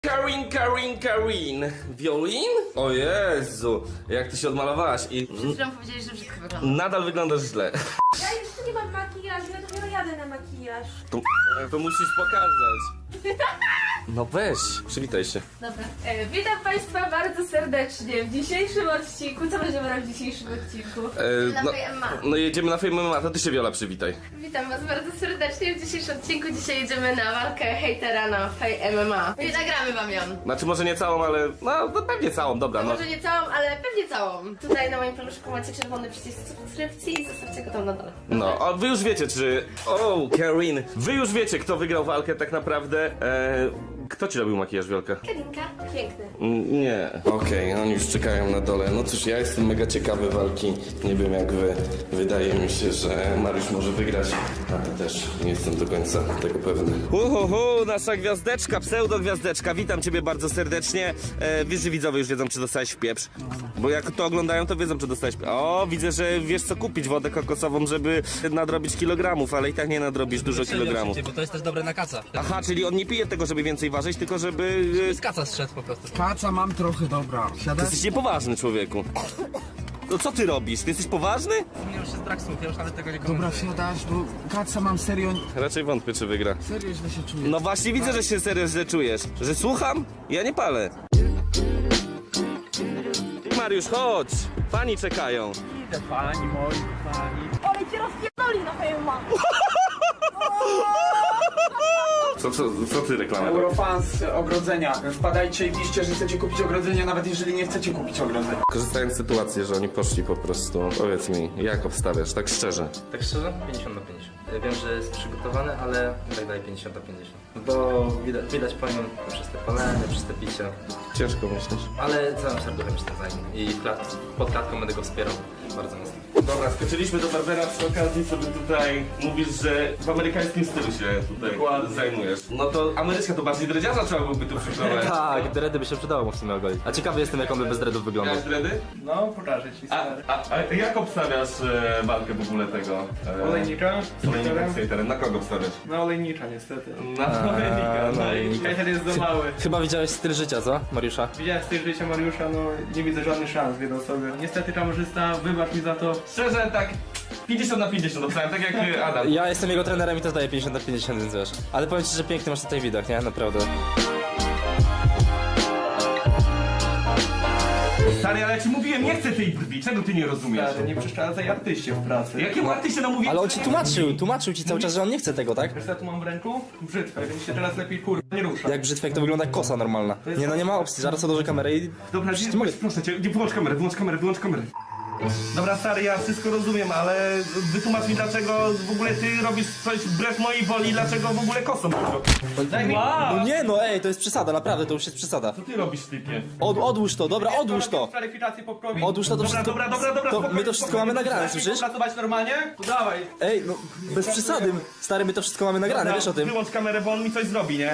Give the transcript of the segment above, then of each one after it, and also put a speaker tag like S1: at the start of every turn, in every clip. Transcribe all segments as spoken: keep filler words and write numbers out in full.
S1: Karin, Karin, Karin. Violin? O Jezu, jak ty się odmalowałaś i...
S2: Przed chwilą powiedzieli, że brzydko wygląda.
S1: Nadal wyglądasz źle.
S3: Ja jeszcze nie mam makijażu, ja dopiero jadę na makijaż.
S1: To, to musisz pokazać. No weź, przywitaj się.
S2: Dobra.
S3: E, witam Państwa bardzo serdecznie w dzisiejszym odcinku. Co będziemy robić w dzisiejszym odcinku?
S1: E,
S2: Na
S1: no,
S2: Fame M M A.
S1: no jedziemy na Fame M M A, to ty się Viola przywitaj.
S2: Witam was bardzo serdecznie w dzisiejszym odcinku. Dzisiaj jedziemy na walkę hejtera na Fame M M A. I nagramy wam ją.
S1: Znaczy może nie całą, ale no, no pewnie całą, dobra no.
S2: Może nie całą, ale pewnie całą. Tutaj na moim paluszku macie czerwony przycisk subskrypcji i zostawcie go tam na dole.
S1: No, a wy już wiecie czy... O, Karin, wy już wiecie kto wygrał walkę tak naprawdę. E, kto ci robił makijaż, Wiolka?
S2: Karinka.
S3: Piękny.
S1: Mm, Nie. Okej, oni już czekają na dole. No cóż, ja jestem mega ciekawy walki. Nie wiem jak wy. Wydaje mi się, że Mariusz może wygrać, ale też nie jestem do końca tego pewny. Uhuhu, nasza gwiazdeczka, pseudo-gwiazdeczka. Witam ciebie bardzo serdecznie. E, wiesz, że widzowie już wiedzą, czy dostałeś w pieprz? Bo jak to oglądają, to wiedzą, czy dostałeś w pieprz. O, widzę, że wiesz co kupić, wodę kokosową, żeby nadrobić kilogramów, ale i tak nie nadrobisz dużo kilogramów.
S4: Bo to jest też dobre na kaca.
S1: Aha, czyli on nie pije tego, żeby więcej ważyć, tylko żeby... e,
S4: Z kaca strzedł po prostu.
S5: Kaca mam trochę, dobra.
S1: Ty
S5: Siadasz?
S1: jesteś niepoważny, człowieku. No co ty robisz? Ty jesteś poważny?
S4: Zmienił się z brak słów, ja już nawet tego nie
S5: Dobra,
S4: komentuję.
S5: wsiadasz, bo kaca mam serio,
S1: Raczej wątpię, czy wygra.
S5: serio źle się czuję.
S1: No właśnie widzę, że się serio źle czujesz. Że słucham? Ja nie palę. Mariusz, chodź! Fani czekają.
S4: Idę, fani moi, fani.
S3: Ale cię rozpierdoli na Fame M M A.
S1: Co, co, co ty reklamujesz?
S5: Eurofans ogrodzenia. Wpadajcie i piszcie, że chcecie kupić ogrodzenie, nawet jeżeli nie chcecie kupić ogrodzenia.
S1: Korzystając z sytuacji, że oni poszli po prostu. Powiedz mi, jak obstawiasz, tak szczerze?
S4: Tak szczerze? pięćdziesiąt na pięćdziesiąt. Ja wiem, że jest przygotowany, ale tak dalej pięćdziesiąt na pięćdziesiąt. Bo widać, widać po nim przez te palenie, przez te picie.
S1: Ciężko myślisz.
S4: Ale całym serduchem jestem za nim. I w klat, pod klatką będę go wspierał bardzo mocno.
S1: Dobra, skoczyliśmy do Barbera przy okazji, sobie tutaj mówisz, że w amerykańskim stylu się tutaj zajmujesz. No to Ameryczka to bardziej dredziarza trzeba byłoby tu przyprowadzić.
S4: Tak, dready by się przydało mu w sumie ogolić. A ciekawy jestem, jak on by bez dreadów wyglądał.
S1: Miałeś dredy?
S6: No, pokażę ci.
S1: A, a, a jak obstawiasz e, walkę w ogóle tego? E,
S6: Olejnika?
S1: Olejnika z hejterem. Na kogo obstawiasz?
S6: No, olejnicza niestety.
S1: Na Olejnika, no i...
S6: Hejter jest za mały.
S4: Chyba widziałeś styl życia, co, Mariusza?
S6: Widziałem styl życia Mariusza, no nie widzę żadnych szans w jedną sobie. Niestety kamerzysta, wybacz mi za to.
S1: Szczerze tak pięćdziesiąt na pięćdziesiąt obstawiam, tak jak e, Adam.
S4: Ja jestem jego trenerem i też daję pięćdziesiąt na pięćdziesiąt, więc wiesz. Ale powiem ci, że piękny masz tutaj widok, nie? Naprawdę.
S1: Stary, ale ja ci mówiłem, nie chcę tej brwi, czego ty nie rozumiesz?
S6: Stary, nie przeszkadzaj artyście w pracy.
S1: Jakiemu artyście namówiłeś?
S4: Ale on ci tłumaczył, tłumaczył ci cały czas, że on nie chce tego, tak?
S6: Wiesz co tu mam w ręku? Brzytwę, więc się teraz lepiej kurwa nie rusza.
S4: Jak brzytwa, jak to wygląda jak kosa normalna. Nie no, nie ma opcji, zaraz odłożę kamerę i...
S1: Dobra,
S4: Przecież
S1: nie,
S4: mogę-
S1: proszę cię, nie, wyłącz kamerę, wyłącz kamerę, wyłącz kamerę. Dobra, stary, ja wszystko rozumiem, ale wytłumacz mi, dlaczego w ogóle ty robisz coś wbrew mojej woli, dlaczego w ogóle kosą.
S6: Daj mi...
S4: No nie no, ej, to jest przesada, naprawdę, to już jest przesada.
S1: Co ty robisz, typie?
S4: Od, odłóż to, dobra, odłóż to.
S6: Kwalifikację poprawić.
S4: Odłóż to, to
S1: Dobra,
S4: wszystko...
S1: dobra, dobra, dobra,
S4: To
S1: spokojnie,
S4: my to wszystko
S1: spokojnie.
S4: mamy nagrane, słyszysz?
S6: Pracować normalnie? To dawaj.
S4: Ej, no, bez przesady, stary, my to wszystko mamy nagrane,
S1: Dobra,
S4: wiesz o tym.
S1: Wyłącz kamerę, bo on mi coś zrobi, nie?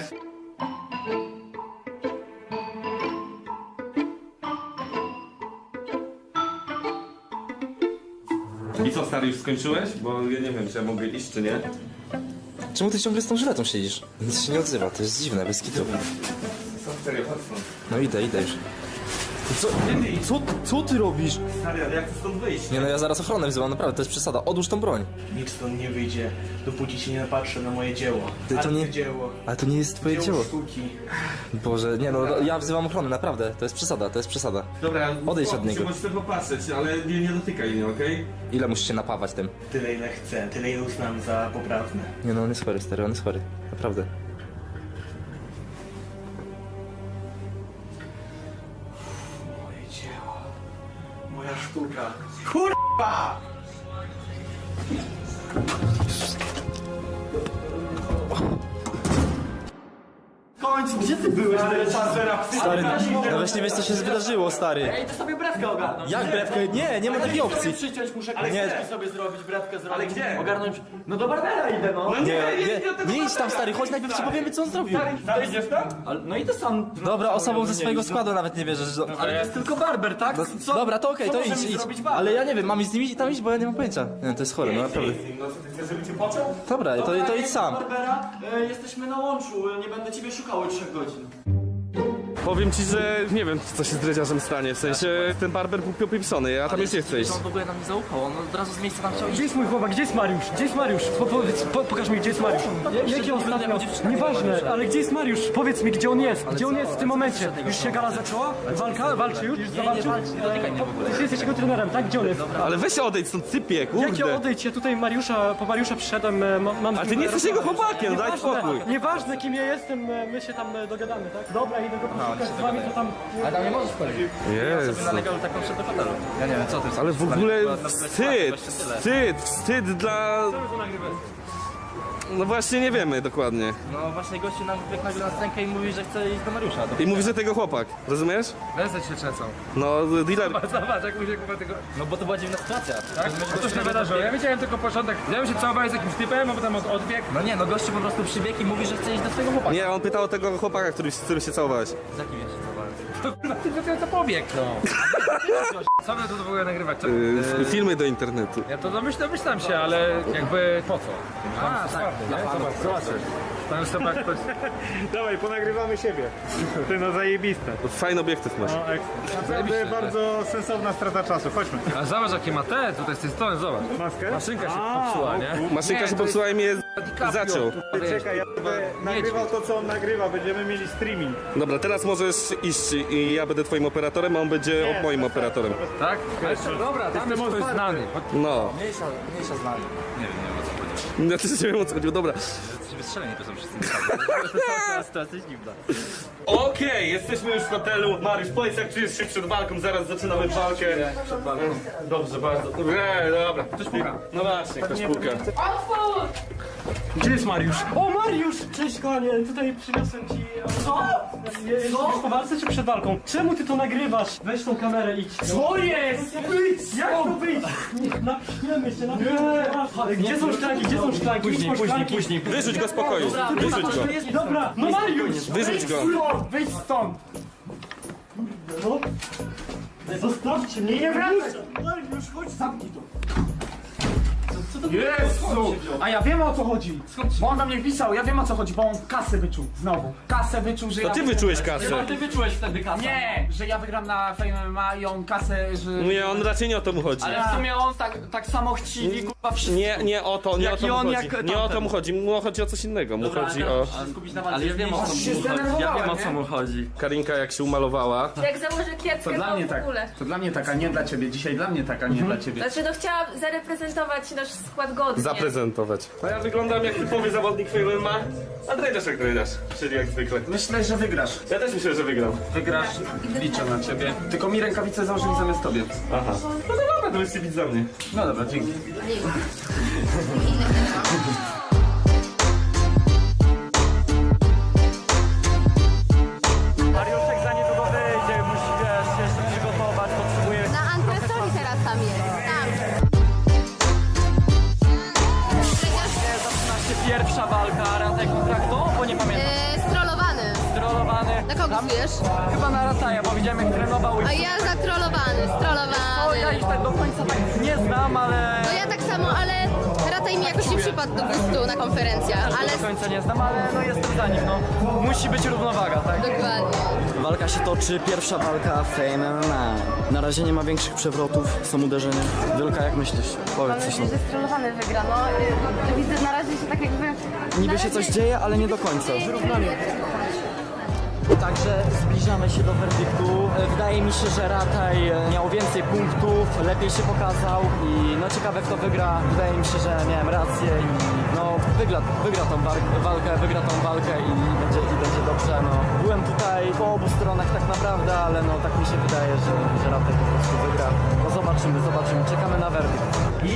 S1: I co, stary, już skończyłeś? Bo ja nie wiem, czy ja mogę iść, czy nie.
S4: Czemu ty ciągle z tą żyletą siedzisz? Nic się nie odzywa, to jest dziwne, bez kitu.
S1: Co, serio, chodź stąd.
S4: No idę, idę już. Co, co, co ty robisz?
S1: Stary, ale jak chcę stąd wyjść?
S4: Nie no, ja zaraz ochronę wzywam, naprawdę, to jest przesada. Odłóż tą broń.
S6: Nikt stąd nie wyjdzie, dopóki się nie napatrzy na moje dzieło.
S4: Ty, to nie-
S6: Arcydzieło.
S4: Ale to nie jest twoje dzieło.
S6: sztuki.
S4: Boże, nie no, ja wzywam ochronę, naprawdę, to jest przesada, to jest przesada.
S1: Dobra,
S4: Odejdź od niego.
S1: Możesz sobie popatrzeć, ale nie, nie dotykaj mnie, okej?
S4: Ile musisz się napawać tym?
S6: Tyle ile chcę, tyle ile uznam za poprawne.
S4: Nie no, on jest chory, stary, on jest chory. Naprawdę.
S6: Moje dzieło. Moja sztuka. Kurwa! W końcu, gdzie ty byłeś?
S4: Stary, no właśnie wiesz co się wydarzyło, stary.
S6: Ej, to sobie brewkę ogarnąć.
S4: Jak brewkę? Nie, nie ma takiej opcji.
S6: Przyciąć muszę,
S4: Ale
S6: nie
S4: gdzie?
S6: sobie zrobić, brewkę zrobić.
S1: Ale gdzie?
S6: Ogarnąć. No do Barbera idę, no.
S1: No
S4: Nie,
S1: nie,
S4: nie, nie idź tam, stary, chodź najpierw ci powiemy co on zrobił.
S1: Stary, idziesz tam?
S6: Ale, no idę sam.
S4: Dobra, osobą ze swojego składu nawet nie wierzysz. że-
S6: Ale to jest tylko barber, tak? Co?
S4: Dobra, to okej,
S6: co
S4: to
S6: może
S4: idź,
S6: mi
S4: idź.
S6: zrobić barber?
S4: Ale ja nie wiem, mam z nimi tam iść, bo ja nie mam pojęcia. Nie, to jest chore, no naprawdę.
S1: No co, ty chcesz, żeby cię począł?
S4: Dobra, to, to idź sam.
S6: Barbera, e, jesteśmy na łączu, e, nie będę ciebie szukał od trzech godzin.
S1: Powiem ci, że nie wiem, co się z dredziarzem stanie, w sensie ten barber był popieprzony, ja tam już nie chcę iść.
S4: On w ogóle nam nie zaufał, on od razu z miejsca tam chciał iść.
S7: Gdzie jest mój chłopak? Gdzie jest Mariusz? Gdzie jest Mariusz? Po, powiedz, po, pokaż mi, gdzie jest Mariusz. Ja, jakie ostatnio? Nieważne, ale gdzie jest Mariusz? Powiedz mi, gdzie on jest? Gdzie on jest w tym momencie? Już się gala zaczęła? Walka? Walczy już? Już zawalczył?
S4: nie dotykaj mnie w ogóle.
S7: Ty jesteś jego trenerem, tak? Gdzie on jest?
S1: Ale weź odejdź stąd, sypie,
S7: Jak ja
S1: kurde.
S7: odejdź? Ja tutaj Mariusza, po Mariusza przyszedłem, e, ma- mam...
S1: A ty nie jesteś jego chłopakiem, daj
S7: Nieważne,
S1: spokój.
S7: Nieważne kim ja jestem, e, my się tam e, dogadamy, tak? Dobra, idę go poszukać z wami, to tam...
S4: Ale tam nie możesz wchodzić.
S1: Jezu.
S4: Na legalu taką przed do hotelu. Ja nie wiem, co ty
S1: Ale w ogóle wstyd, wstyd, wstyd dla... No właśnie nie wiemy dokładnie.
S4: No właśnie gościu nam wbiegł nagle na scenkę i mówi, że chce iść do Mariusza.
S1: I mówi, że tego chłopak, rozumiesz?
S6: Ręce się trzęsą.
S1: No, dealer...
S6: Zobacz, jak mu się kupa tego...
S4: No bo to była dziwna sytuacja.
S6: Tak? A to się wydarzyło. Ja widziałem tylko początek. Ja bym się całował z jakimś typem, a potem od odbieg.
S4: No nie, no gościu po prostu przybiegł i mówi, że chce iść do swojego chłopaka.
S1: Nie, on pytał o tego chłopaka, który, z którym się całowałeś.
S4: Z jakim ja się całowałem?
S6: To kurwa, ty dopiero to pobieg, no. Co by to w ogóle nagrywać? Co?
S1: Yy, filmy do internetu.
S6: Ja to domyślam, domyślam się, ale jakby po co?
S4: A, tak, dla fanów.
S6: Zobaczysz. Tam jest chyba ktoś...
S8: Dawaj, ponagrywamy siebie. Ty no zajebiste.
S1: Fajny obiektyw masz.
S8: No, ekstra. Naprawdę bardzo sensowna strata czasu. Chodźmy.
S6: A zobacz jakie ma te, tutaj z tej strony, zobacz.
S8: Maskę?
S6: Maszynka się
S8: A,
S6: popsuła,
S8: o
S6: nie?
S8: kur-
S1: Maszynka
S6: Nie,
S1: się
S6: to
S1: popsuła i mnie
S6: DiCaprio,
S1: zaciął.
S6: kurwa, wiesz,
S8: Czekaj, ja będę nagrywał to, co on nagrywa. Będziemy mieli streaming.
S1: Dobra, teraz możesz iść i ja będę twoim operatorem, a on będzie
S8: Nie,
S1: moim
S8: bez
S1: operatorem.
S6: Tak? Dobra, tam jest ktoś znany.
S1: No.
S4: Mniejsza, mniejsza z nami. Nie wiem, nie wiem o co chodzi.
S1: Ja też nie wiem o co chodziło, dobra.
S4: Jesteśmy wystrzeleni, to są wszyscy naprawdę. To jest sytuacja dziwna.
S1: Okej, jesteśmy już w hotelu. Mariusz, powiedz jak czujesz się przed walką, zaraz zaczynamy walkę.
S4: Przed walką.
S1: Dobrze, bardzo. Nie, dobra. Ktoś puka. No właśnie, ktoś puka.
S3: Otwórz!
S7: Gdzie jest Mariusz? O, Mariusz! Cześć, kochanie, tutaj przyniosłem ci... Co? Jesteś po walce czy przed walką? Czemu ty to nagrywasz? Weź tą kamerę, idź. Co jest? Wyjdź! Jak to wyjść? Napchniemy się, napchniemy. Gdzie są szklanki? Gdzie są szklanki? Później, później, później.
S1: Wyrzuć go z pokoju. Wyrzuć go.
S7: Dobra, no Mariusz!
S1: Wyrzuć go.
S8: Wyjdź stąd!
S7: No. Zostawcie mnie, nie wracaj!
S8: Mariusz, chodź, zamknij to. Jezu! A ja wiem o co chodzi. Bo on do mnie pisał, ja wiem o co chodzi, bo on kasę wyczuł. Znowu. Kasę wyczuł, że
S1: To
S8: ja...
S1: ty wyczułeś kasę.
S7: Ty wyczułeś wtedy kasę.
S8: Nie, że ja wygram na Fame M M A i on kasę, że...
S1: Nie, on raczej nie o to mu chodzi.
S7: Ale w sumie on tak, tak samo chciwi, kurwa, wszystko.
S1: Nie, nie o to, nie
S7: Jak
S1: o to
S7: i
S1: mu
S7: on,
S1: chodzi.
S7: jak
S1: Nie o to
S7: tamten.
S1: mu chodzi, mu chodzi o coś innego. Mu chodzi o...
S4: Ale ja wiem o co mu chodzi. Ja wiem o co mu chodzi.
S1: Karinka jak się umalowała.
S3: Jak założę kieckę,
S8: To
S3: to
S8: dla mnie
S3: w
S8: tak.
S3: ogóle.
S8: To dla mnie taka, nie dla ciebie. Dzisiaj dla mnie taka, nie dla ciebie.
S3: Znaczy, no chciałam zareprezentować nasz skład godnie.
S1: Zaprezentować. A ja wyglądam jak typowy zawodnik Fame M M A, a dredziarz jak dredziarz, czyli jak zwykle.
S8: Myślę, że wygrasz.
S1: Ja też myślę, że wygram.
S8: Wygrasz, liczę na ciebie. Tylko mi rękawice założyli zamiast tobie.
S1: Aha. No to dobra, to jest bić za mnie.
S8: No dobra, dzięki.
S7: Mariuszek za niedługo wyjdzie, musi, wiesz, się jeszcze przygotować, potrzebuje...
S2: Na antresoli teraz tam jest. Tam.
S7: Zaczyna się pierwsza walka, Rataj kontra kto? Bo nie pamiętam.
S2: Yy, strollowany.
S7: Strollowany.
S2: Na kogo wiesz?
S7: Chyba na Rataja, bo widziałem jak trenował i...
S2: A ja zatrollowany,
S7: O, ja
S2: strollowany.
S7: ich tak do końca tak nie znam, ale...
S2: No ja tak samo, ale raczej mi jakoś nie przypadł do gustu na konferencjach, ale
S7: Do końca nie znam, ale no jestem za nim, no. Musi być równowaga, tak?
S2: dokładnie.
S9: Walka się toczy, pierwsza walka Fame M M A. Na razie nie ma większych przewrotów, są uderzenia. Wielka, jak myślisz? Powiedz coś. No.
S2: że strollowany wygra, no. Widzę na razie się tak jakby...
S9: Niby się coś dzieje, ale nie do końca. Także zbliżamy się do werdyktu. Wydaje mi się, że Rataj miał więcej punktów, lepiej się pokazał i no ciekawe kto wygra. Wydaje mi się, że miałem rację i no wygra, wygra tą wa- walkę, wygra tą walkę i będzie, i będzie dobrze. No. Byłem tutaj po obu stronach tak naprawdę, ale no tak mi się wydaje, że, że Rataj po prostu wygra. No zobaczymy, zobaczymy, czekamy na werdykt.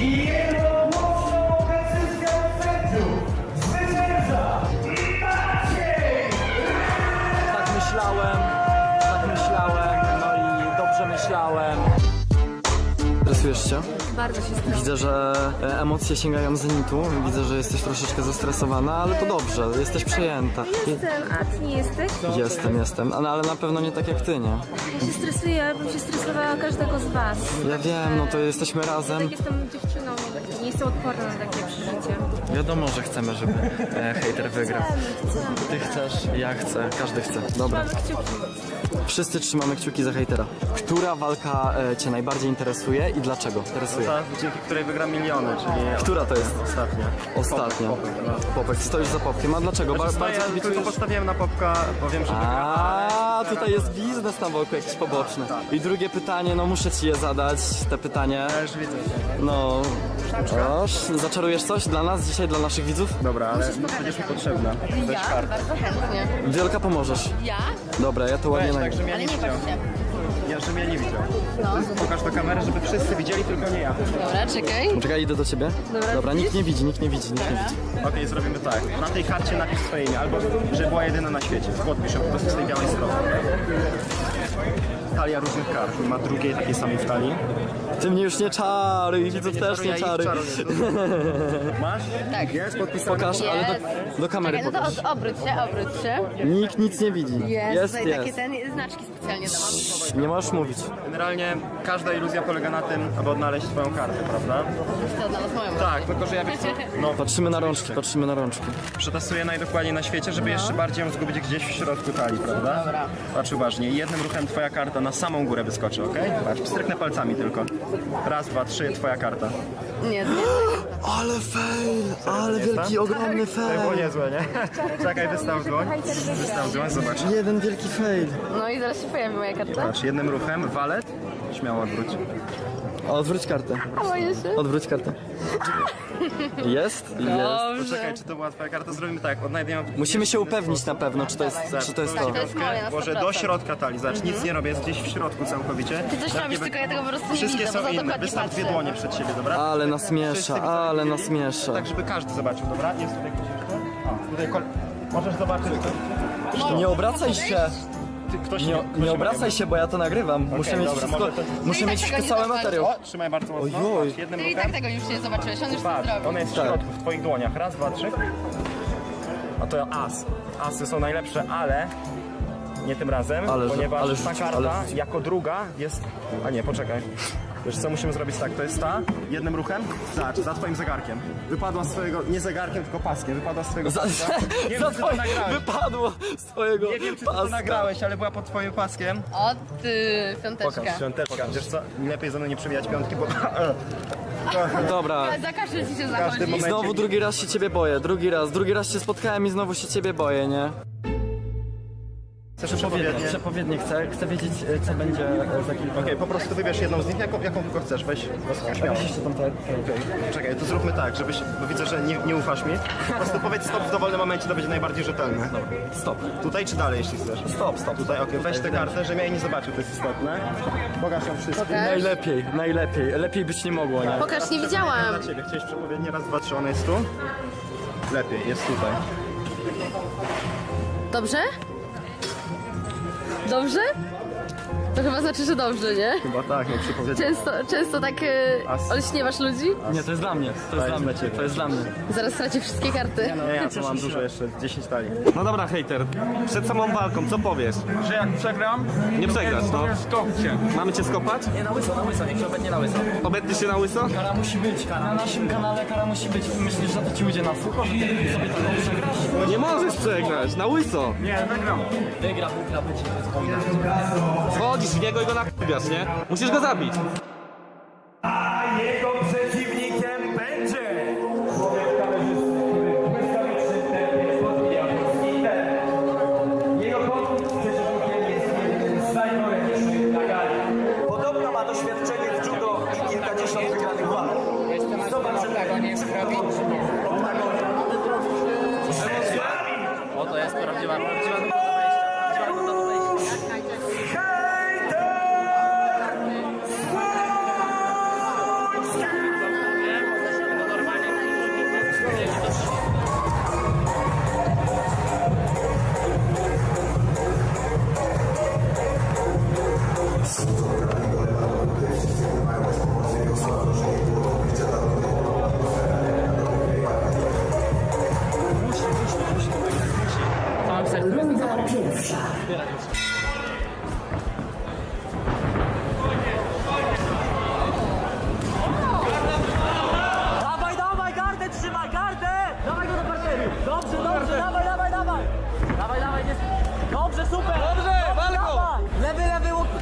S9: Tak myślałem, tak myślałem, no i dobrze myślałem. Interesujesz się?
S3: Bardzo się stresuję.
S9: Widzę, że e, emocje sięgają zenitu. Widzę, że jesteś troszeczkę zestresowana, ale to dobrze, jesteś przejęta.
S3: Jestem, a ty nie jesteś?
S9: Jestem, jestem, ale ale na pewno nie tak jak ty, nie?
S3: Ja się stresuję, ja bym się stresowała każdego z was.
S9: Ja wiem, no to jesteśmy razem.
S3: Tak jestem dziewczyną, nie jestem odporna na takie przeżycie.
S9: Wiadomo, że chcemy, żeby e, hejter wygrał. Ty chcesz, ja chcę, każdy chce. Dobra.
S3: Trzymamy kciuki.
S9: Wszyscy trzymamy kciuki za hejtera. Która walka e, cię najbardziej interesuje i dlaczego interesuje?
S4: Ta, dzięki której wygram miliony, czyli
S9: Która to jest?
S4: ostatnia.
S9: Ostatnia.
S4: Popek, no.
S9: Popek, stoisz za Popkiem. A dlaczego? Ba-
S4: Znaczy,
S9: bardzo
S4: stoję, tylko
S9: kibicujesz?
S4: postawiłem na Popka, bo wiem, że wygra.
S9: A, tutaj jest biznes na boku jakiś poboczny. I drugie pytanie, no muszę ci je zadać, te pytanie.
S4: Ja już widzę.
S9: No, oż, zaczarujesz coś dla nas dzisiaj, dla naszych widzów?
S4: Dobra, ale będziesz mi potrzebna.
S2: Ja? Bardzo chętnie.
S9: Wielka pomożesz.
S2: Ja?
S9: Dobra, ja to ładnie
S4: Weź,
S9: nagram.
S4: tak, żebym ja
S2: Ale
S4: nie
S2: nie
S4: widział.
S2: patrz się.
S4: Ja, żebym ja nie widział.
S2: No.
S4: Pokaż do kamery, żeby wszyscy widzieli, tylko nie ja.
S2: Dobra, czekaj.
S9: Czekaj, idę do ciebie. Dobra, nikt nie widzi, nikt nie widzi, nikt nie widzi.
S4: Okej, zrobimy tak. Na tej karcie napisz swoje imię, albo że była jedyna na świecie. Podpisz ją po prostu z tej białej strony. Talia różnych kart. Ma drugiej takiej samej w talii.
S9: Ty mnie już nie czaruj, widzów też
S4: czaruję,
S9: nie
S4: ich
S9: czaruj.
S4: czaruję. Masz?
S2: Tak.
S4: Jest podpisane.
S9: Pokaż, ale
S2: Jest.
S9: do, do kamery
S2: Czekaj, no
S9: pokaż.
S2: to od, obróć się, obróć się.
S9: Nikt nic nie widzi. Jest,
S2: tutaj takie
S9: jest.
S2: ten, znaczki specjalnie dałam.
S9: Nie możesz mówić.
S4: Generalnie każda iluzja polega na tym, aby odnaleźć twoją kartę, prawda?
S2: To znalazł moją.
S4: Tak, tylko że ja wiesz co? No,
S9: Patrzymy na rączki, patrzymy na rączki.
S4: przetestuję najdokładniej na świecie, żeby jeszcze bardziej ją zgubić gdzieś w środku talii, prawda?
S2: Dobra.
S4: Patrz uważnie. I jednym ruchem twoja karta na samą górę wyskoczy, okej? Patrz, stryknę palcami tylko. Raz, dwa, trzy, twoja karta.
S2: Nie, nie.
S9: Ale fail, ale wielki, ogromny
S4: To było
S9: fail.
S4: niezłe, nie? Czekaj, wystaw dłoń. Wystaw dłoń, zobacz.
S9: Jeden wielki fail.
S2: No i zaraz się pojawi moja karta.
S4: Patrz, jednym ruchem, walet, śmiało odwróć.
S9: Odwróć kartę.
S2: A boję się.
S9: Odwróć kartę. Jest? Jest.
S4: Poczekaj, czy to była twoja karta? Zrobimy tak, odnajdziemy...
S9: Musimy się upewnić na pewno, czy to jest, czy to, jest to.
S2: To jest moje na sto
S4: Może do
S2: procent.
S4: środka talii, zobacz, nic nie robię, jest gdzieś w środku całkowicie.
S2: Ty coś robisz, tylko ja tego po prostu nie
S4: Wszystkie
S2: widzę, bo
S4: są
S2: za
S4: inne,
S2: dokładnie
S4: wystaw dwie
S2: patrzę.
S4: dłonie przed siebie, dobra?
S9: Ale nas
S4: Wszyscy
S9: miesza,
S4: widzowie
S9: ale
S4: widzieli?
S9: nas miesza.
S4: Tak, żeby każdy zobaczył, dobra? Jest tutaj ktoś jeszcze? O, tutaj kol... Możesz zobaczyć.
S9: Nie obracaj się.
S4: Ty, ktoś
S9: Nie,
S4: ktoś
S9: nie obracaj się, bo ja to nagrywam. Muszę mieć
S4: dobra,
S9: wszystko,
S4: może to-
S9: muszę
S2: No i
S9: mieć
S2: tak tego nie
S9: cały
S2: zobaczysz.
S9: materiał.
S4: O, trzymaj bardzo mocno.
S9: Ojoj.
S4: Patrz, jednym
S2: Ty i
S4: ruchem.
S2: tak tego już nie zobaczyłeś, on już to
S4: Patrz,
S2: zrobił.
S4: ona jest w
S9: Tak.
S4: środku, w twoich dłoniach. Raz, dwa, trzy. A to as. Asy są najlepsze, ale nie tym razem,
S9: Ale że-
S4: ponieważ
S9: ale
S4: ta
S9: rzuć,
S4: karta
S9: ale rzuć.
S4: jako druga jest... A nie, poczekaj. Wiesz co, musimy zrobić tak, to jest ta, jednym ruchem, zobacz, za twoim zegarkiem. Wypadła z twojego, nie zegarkiem, tylko paskiem, wypadła z twojego
S9: Za,
S4: paska. Nie wiem,
S9: za
S4: czy to
S9: twoje,
S4: nagrałeś.
S9: wypadło z twojego
S4: Nie wiem, czy ty to
S9: paska.
S4: nagrałeś, ale była pod twoim paskiem.
S2: O ty, piąteczka.
S4: Pokaż, piąteczka. Wiesz co, lepiej ze mną nie przewijać piątki, bo...
S9: Dobra.
S2: Za każdym ci się
S4: każdym
S2: zachodzi.
S4: momencie-
S9: Znowu drugi raz się ciebie boję, drugi raz, drugi raz się spotkałem i znowu się ciebie boję, nie?
S4: Chcesz przepowiednie?
S9: Przepowiednie chcę, chcę wiedzieć co będzie za kilka
S4: Okej, po prostu wybierz jedną z nich, jaką, jaką tylko chcesz, weź. Śmiało.
S9: jeszcze tam tak.
S4: Czekaj, to zróbmy tak, żebyś, bo widzę, że nie, nie ufasz mi. Po prostu powiedz stop w dowolnym momencie, to będzie najbardziej rzetelne.
S9: Stop.
S4: Tutaj czy dalej, jeśli chcesz?
S9: Stop, stop.
S4: Tutaj, okej, weź tę kartę, żebym ja jej nie zobaczył, to jest istotne. Pokaż ją wszystkim.
S9: Najlepiej, najlepiej, lepiej być nie mogło, nie?
S2: Pokaż, nie
S4: Dla
S2: widziałam.
S4: ciebie, chciałeś przepowiednie, raz, dwa, trzy, ona jest tu? Lepiej, jest tutaj.
S2: Dobrze? Dobrze? To chyba znaczy, że dobrze, nie?
S4: Chyba tak, no przepowiednie.
S2: Często, często tak e,
S4: As.
S2: olśniewasz ludzi?
S9: Nie, to jest dla mnie, to jest dla mnie, to jest dla mnie.
S2: Zaraz straci wszystkie karty.
S4: Nie, ja co mam dużo jeszcze, dziesięć talii.
S1: No dobra, hejter, przed samą walką, co powiesz?
S8: Że jak przegram,
S1: Nie przegrasz, no.
S8: skopcie.
S1: Mamy cię skopać?
S9: Nie, na łyso, na łyso, niech się obetnie na łyso.
S1: Obetniesz się na łyso?
S9: Kara musi być, na naszym kanale kara musi być. Myślisz, że to ci ujdzie na sucho, że ty sobie taką przegrasz?
S1: Nie możesz przegrać, na łyso.
S8: Nie, wygram.
S9: Wygra, wygra, będzie.
S1: Wchodzisz w niego i go nakubiasz, nie? Musisz go zabić.
S8: A jego przeciwnikiem będzie jego przeciwnikiem jest jeden z najmocniejszych na gali. Podobno ma doświadczenie w judo i kilkadziesiąt wygranych walk. Zobacz, że tego nie zrobi.
S9: O, to jest prawdziwa, prawdziwa nuta do wejścia. Prawdziwa nuta do wejścia.
S8: Hejter!
S9: Dawaj, dawaj, gardę trzymaj, gardę! Dawaj go do parteru! Dobrze, dobrze, dawaj, dawaj, dawaj! Dawaj, dawaj, nie... Dobrze, super! Dobrze, walko! Lewy, lewy, łuk...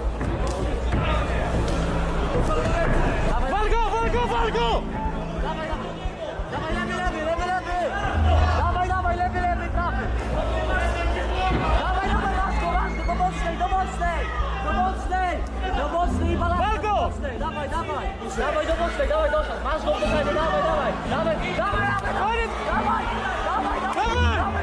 S9: Dawaj, walgo, walgo, walgo! Dawaj, dawaj! Dawaj, lewy, lewy, lewy, lewy! Dawaj, dawaj, lewy, lewy, prawy! Dawaj, dawaj, Laszko, Laszko, do mocnej, do mocnej! Do mocnej! Do mocnej i balansa! Walgo! Dawaj, dawaj! Dawaj do mocnej, dawaj, doszedł! Masz go w posadzie, dawaj, dawaj! Dawaj, dawaj, dawaj! Koniec! Dawaj! Dawaj, dawaj! Dawaj,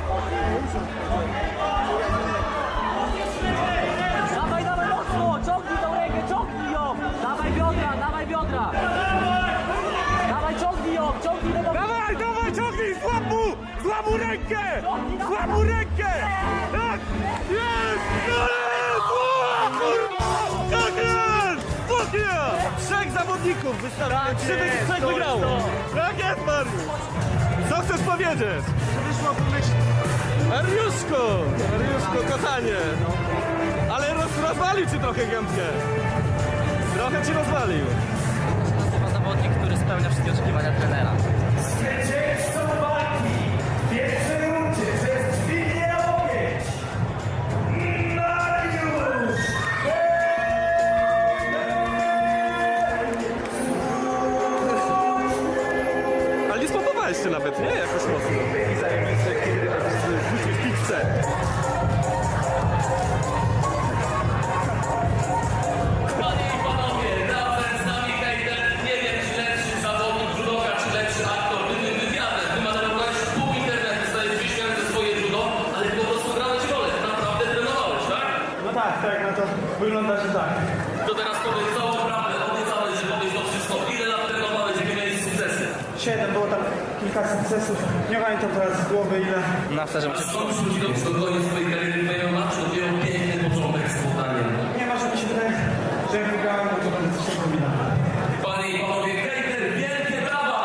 S9: dawaj, dawaj, mocno! Ciągnij tą rękę, ciągnij ją! Dawaj biodra, dawaj biodra! Dawaj, ciągnij ją, ciągnij do boku!
S7: Dawaj, dawaj, ciągnij, złap mu! Złap mu rękę! Złap mu rękę! Tak! Jest! Jest! O, kurwa! Tak jest! Spokój! Trzech zawodników wystarczy, żeby trzech wygrało! Tak jest, Mariusz! Co chcesz powiedzieć? Wyszła pomyśl... Mariuszko! Mariuszko, kochanie! Ale roz, rozwalił ci trochę gębkę! Trochę ci rozwalił!
S9: Nazywa zawodnik, który spełnia wszystkie oczekiwania trenera.
S8: Zwycięzcą walki w pierwszej rundzie przez dźwignię łokieć Mariusz!
S7: Ale nie spopowałeś się nawet, nie? Jakoś mocno. I zajemnicy, kiedy wrzucisz pizzę.
S10: Panie i panowie, razem z nami hejter, nie wiem czy lepszy zawodnik judoka, czy lepszy aktor, ty tym wywiadem, wymanerowałeś pół internetu, stajesz wyśmiany ze swoje judo, ale po prostu grałeś rolę, naprawdę trenowałeś, tak?
S6: No tak, tak, no to wygląda, że tak.
S10: To teraz powiedz całą prawdę, obiecałeś, że powiesz to wszystko, ile lat trenowałeś, jakie miałeś sukcesy?
S6: Siedem, było tam kilka sukcesów. Nie pamiętam teraz z głowy ile.
S9: Na wsterze
S10: A skąd ludzi do przygotowaniu swojej kariery w M M A, czy dopiero piękny początek z podaniem?
S6: Nie ma, że mi się wydaje, że jak wygrałem, no to będę coś takiego widać.
S10: Panie i panowie, hejter, wielkie brawa!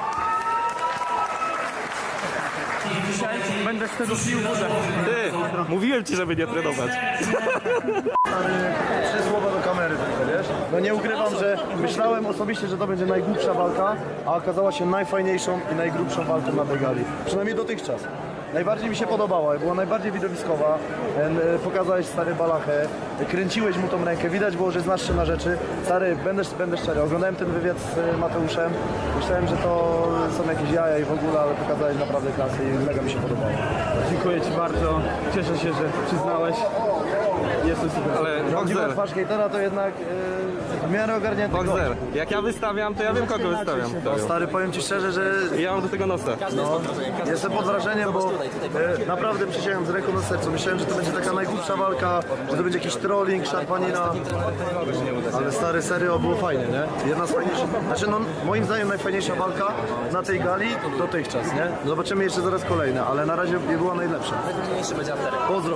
S6: Dzisiaj będę z tego pił wodę.
S7: Ty, mówiłem ci, żeby nie trenować.
S4: Trzy słowa do kamery tylko, wiesz? No nie ukrywam, że myślałem osobiście, że to będzie najgłupsza walka, a okazała się najfajniejszą i najgrubszą walką na tej gali. Przynajmniej dotychczas. Najbardziej mi się podobała, była najbardziej widowiskowa. E, Pokazałeś stary balachę, kręciłeś mu tą rękę, widać było, że znasz się na rzeczy. Stary, będę, będę szczery, oglądałem ten wywiad z e, Mateuszem, myślałem, że to są jakieś jaja i w ogóle, ale pokazałeś naprawdę klasy i mega mi się podobało.
S6: Dziękuję ci bardzo. Cieszę się, że przyznałeś. Jestem super.
S7: Ale
S4: Prawdziwa
S7: Boxer,
S4: twarz hejtera to jednak e, w miarę ogarnięty
S7: Boxer,
S4: gość.
S7: jak ja wystawiam, to ja wiem kogo wystawiam.
S4: No, stary, powiem ci szczerze, że
S7: Ja mam do tego nosa.
S4: no, jestem pod wrażeniem, bo e, naprawdę przysięgam z ręką na sercu. Myślałem, że to będzie taka najgłupsza walka, że to będzie jakiś trolling, szarpanina. Ale stary, serio, było fajnie, nie? Jedna z fajniejszych, znaczy no, moim zdaniem najfajniejsza walka na tej gali dotychczas, nie? Zobaczymy jeszcze zaraz kolejne, ale na razie nie była najlepsza. Pozdro.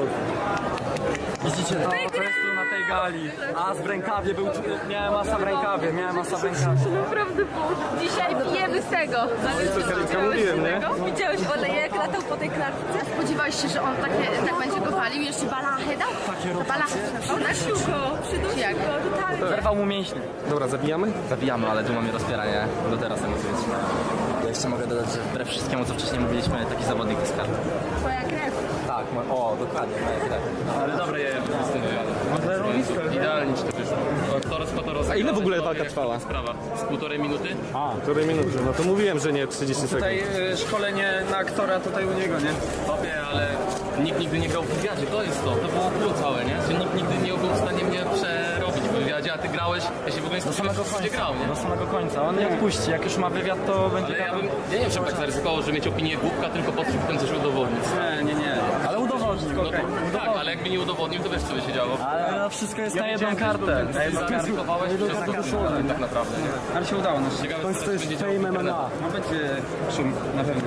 S9: Widzicie, to, to jest tu na tej gali. As w rękawie był, miałem asa w rękawie, miałem asa w rękawie.
S3: Naprawdę było. Dzisiaj pijemy z tego.
S7: Mówiłem, nie?
S3: Widziałeś Ole, jak latał po tej klatce?
S2: Spodziewałeś się, że on takie, tak będzie go walił? Jeszcze balachę dał? To balachę
S3: Przydusił go, przydusił
S2: Jak?
S3: go, totalnie.
S9: Zerwał mu mięśnie.
S7: Dobra, zabijamy?
S9: Zabijamy, ale duma mnie rozpiera, nie? Do teraz emocjonuje. Ja jeszcze mogę dodać, że wbrew wszystkiemu, co wcześniej mówiliśmy, taki zawodnik jest karty.
S2: Twoja krew.
S9: Tak, mo- o, dokładnie, moja krew.
S10: Ale dobre je z tym wywiadem. Idealnie ci to wyszło. Toros po toros.
S7: A ile w ogóle walka trwała?
S10: Sprawa. Z półtorej minuty?
S7: Której minuty? No to mówiłem, że nie trzydzieści sekund.
S5: Tutaj y, szkolenie na aktora tutaj u niego, nie?
S10: Tobie, ale nikt nigdy nie grał w wywiadzie, to jest to. To było kół całe, nie? Że nikt nigdy nie był w stanie mnie przerobić w wywiadzie, a ty grałeś, ja się w ogóle nie
S9: Do samego
S10: spodziewałem, gdzie
S9: końca,
S10: grał, nie?
S9: do samego końca. On nie odpuści, jak już ma wywiad, to będzie...
S10: Ale ja bym, ja nie wiem, czy bym tak zaryzykował, że mieć opinię głupka, tylko po tym coś udowodnić.
S5: Nie, nie, nie.
S9: Ale udowodni.
S10: No to, tak, ale jakby nie udowodnił, to wiesz, co by się działo.
S9: Ale no wszystko jest na jedną kartę.
S10: Ty zaryzykowałeś przez tak, tak naprawdę, nie?
S5: Ale się udało. No,
S10: Ciekawe, co teraz będzie działo w internecie.
S5: no będzie szum, na pewno.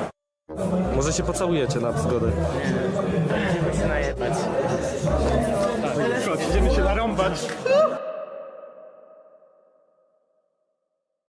S7: Może się pocałujecie na zgodę.
S6: Chodź, idziemy się narąbać.